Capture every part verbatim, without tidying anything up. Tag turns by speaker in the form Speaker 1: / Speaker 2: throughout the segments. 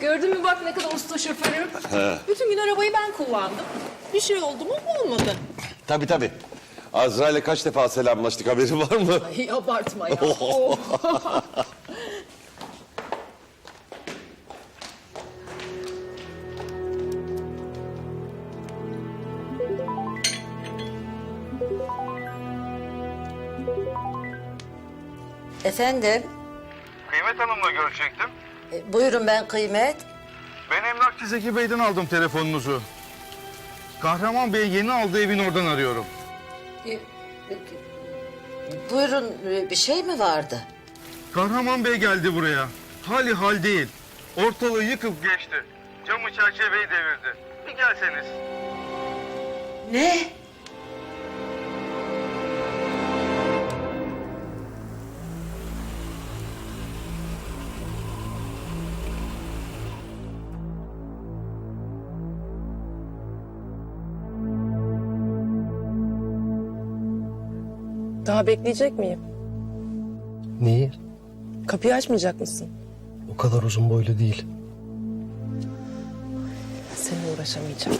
Speaker 1: Gördün mü bak ne kadar usta şoförüm. Bütün gün arabayı ben kullandım. Bir şey oldu mu olmadı.
Speaker 2: Tabii tabii. Azrail'le kaç defa selamlaştık, haberin var mı?
Speaker 1: Ay abartma ya. Oh.
Speaker 3: Efendim,
Speaker 4: Kıymet Hanım'la görüşecektim.
Speaker 3: e, buyurun ben Kıymet.
Speaker 4: Ben emlakçı Zeki Bey'den aldım telefonunuzu. Kahraman Bey yeni aldığı evin oradan arıyorum.
Speaker 3: E, e, Buyurun, e, bir şey mi vardı?
Speaker 4: Kahraman Bey geldi buraya. Hali hal değil. Ortalığı yıkıp geçti. Camı çerçeveyi devirdi. Bir gelseniz.
Speaker 3: Ne?
Speaker 5: Daha bekleyecek miyim?
Speaker 6: Neyi?
Speaker 5: Kapıyı açmayacak mısın?
Speaker 6: O kadar uzun boylu değil.
Speaker 5: Seninle uğraşamayacağım.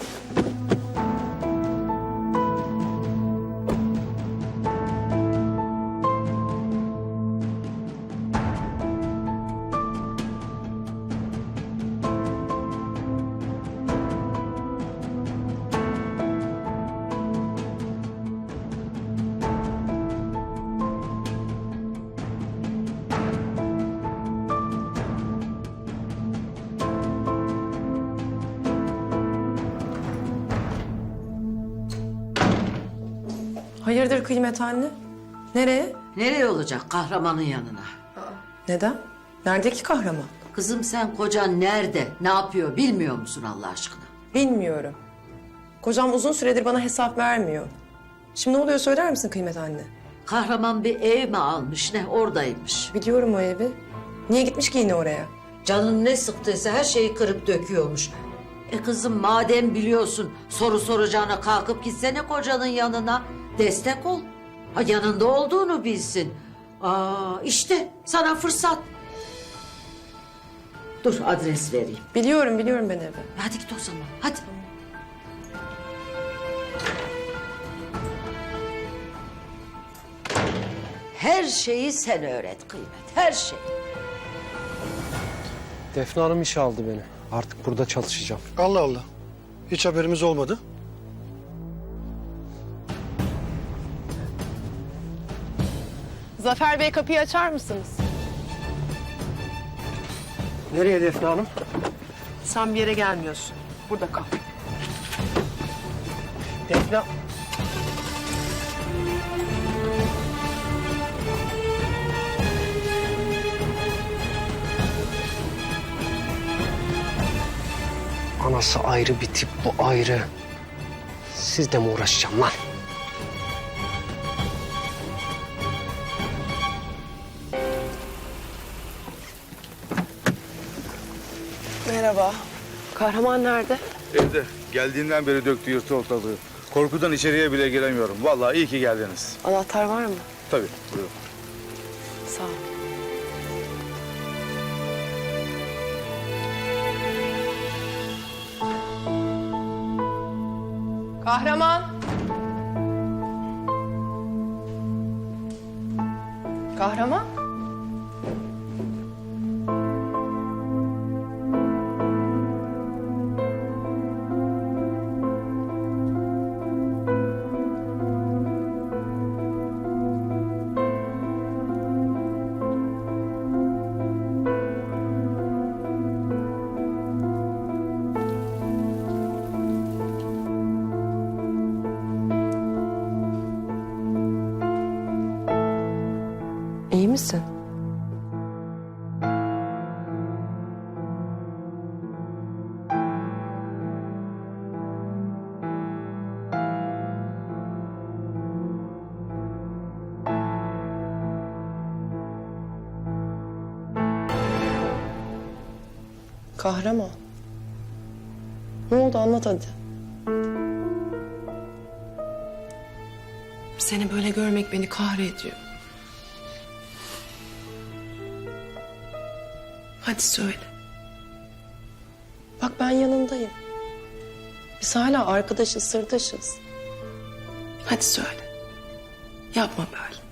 Speaker 5: Hayırdır Kıymet anne? Nereye?
Speaker 3: Nereye olacak kahramanın yanına?
Speaker 5: Neden? Nerede ki kahraman?
Speaker 3: Kızım sen kocan nerede, ne yapıyor bilmiyor musun Allah aşkına?
Speaker 5: Bilmiyorum. Kocam uzun süredir bana hesap vermiyor. Şimdi ne oluyor söyler misin Kıymet anne?
Speaker 3: Kahraman bir ev mi almış ne oradaymış.
Speaker 5: Biliyorum o evi. Niye gitmiş ki yine oraya?
Speaker 3: Canın ne sıktıysa her şeyi kırıp döküyormuş. E kızım madem biliyorsun soru soracağına kalkıp gitsene kocanın yanına. Destek ol. Ha, yanında olduğunu bilsin. Aa, işte sana fırsat. Dur adres vereyim.
Speaker 5: Biliyorum biliyorum ben evi.
Speaker 3: Hadi git o zaman hadi. Her şeyi sen öğret Kıymet, her şey.
Speaker 6: Defne Hanım işe aldı beni. Artık burada çalışacağım.
Speaker 7: Allah Allah. Hiç haberimiz olmadı.
Speaker 5: Zafer Bey kapıyı açar mısınız?
Speaker 6: Nereye Defne Hanım?
Speaker 5: Sen bir yere gelmiyorsun. Burada kal.
Speaker 6: Defne... Anası ayrı bir tip, bu ayrı. Sizle mi uğraşacağım lan?
Speaker 5: Merhaba. Kahraman nerede?
Speaker 4: Evde. Geldiğinden beri döktü yırtı ortalığı. Korkudan içeriye bile giremiyorum. Vallahi iyi ki geldiniz.
Speaker 5: Anahtar var mı?
Speaker 4: Tabii. Buyurun.
Speaker 5: Sağ ol. Kahraman. Kahraman. İyi misin? Kahraman. Ne oldu anlat hadi. Seni böyle görmek beni kahrediyor. Hadi söyle. Bak ben yanındayım. Biz hala arkadaşız, sırdaşız. Hadi söyle. Yapma böyle.